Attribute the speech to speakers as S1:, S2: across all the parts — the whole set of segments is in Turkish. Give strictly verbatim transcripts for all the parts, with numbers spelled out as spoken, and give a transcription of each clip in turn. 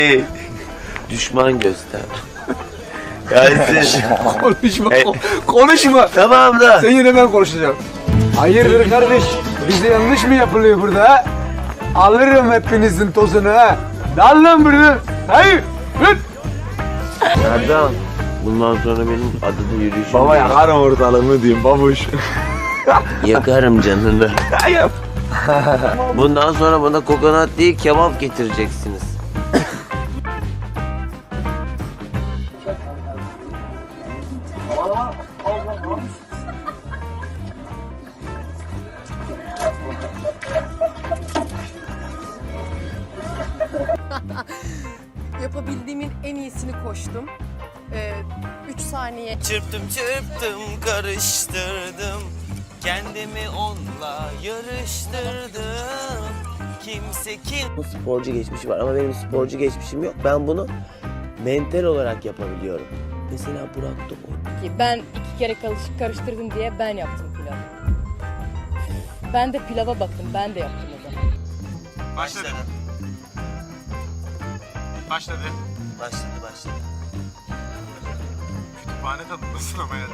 S1: Hey, düşman göster. Gelsin.
S2: Konuşma,
S1: Hey.
S2: konuşma.
S1: Tamam da.
S2: Sen yine ben konuşacağım. Hayırdır kardeş? Bize yanlış mı yapılıyor burada ha? Alırım hepinizin tozunu ha. Dal lan buradan. Hayır. Hıt.
S1: Erdem. Bundan sonra benim adada yürüyüşüm.
S2: Baba yakarım ortalığını diyeyim babuş.
S1: Yakarım canını.
S2: Hayır.
S1: Bundan sonra bana kokonat değil kebap getireceksiniz.
S3: Yapabildiğimin en iyisini koştum. Ee, üç saniye.
S4: Çırptım çırptım karıştırdım, kendimi onunla yarıştırdım. Kimse kim
S1: Bu sporcu geçmişi var ama benim sporcu geçmişim yok. Ben bunu mental olarak yapabiliyorum. Mesela Burak Tomoy.
S3: Ki ben iki kere karış- karıştırdım diye ben yaptım pilavı. Ben de pilava baktım, ben de yaptım o zaman.
S4: başladı.
S5: Başladı.
S4: Başladı başladı.
S5: Kütüphane tadındasın ama yani.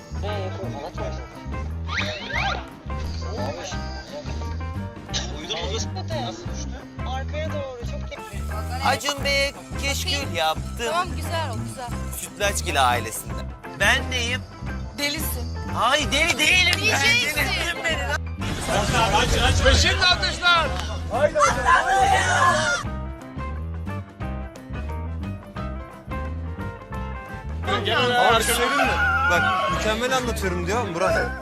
S6: Arkaya doğru çok tepki.
S4: Acun Bey'e keşkül yaptım.
S3: Tamam, güzel o, güzel.
S4: Sütlaçgil ailesinden. Ben neyim?
S3: Delisin.
S4: Ay deli değilim ben. Delirttin beni lan.
S5: Ve şimdi alkışlar.
S2: Abi söyleyeyim mi? Bak mükemmel anlatıyorum diyor Burak.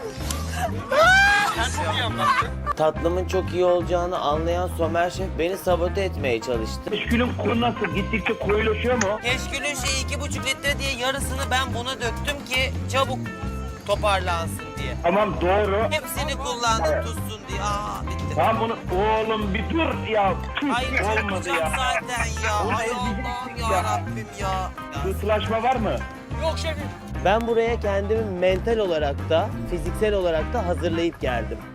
S1: Tatlımın çok iyi olacağını anlayan Somer Şef beni sabote etmeye çalıştı.
S7: Keşkülün kuru nasıl? Gittikçe koyulaşıyor mu?
S4: Keşkülün şeyi iki buçuk litre diye yarısını ben buna döktüm ki çabuk toparlansın diye.
S7: Tamam doğru.
S4: Hepsini kullandım tutsun diye. Aa bitti.
S7: Tamam bunu oğlum bir dur ya. Tüh,
S4: Hayır
S7: olmadı
S4: tutacak
S7: ya.
S4: zaten ya.
S7: Bunu
S4: Ay
S7: ezecektik
S4: Allah'ım
S7: ya.
S4: ya Rabbim ya. ya.
S7: Sıtılaşma var mı?
S4: Yok şefim.
S1: Ben buraya kendimi mental olarak da fiziksel olarak da hazırlayıp geldim.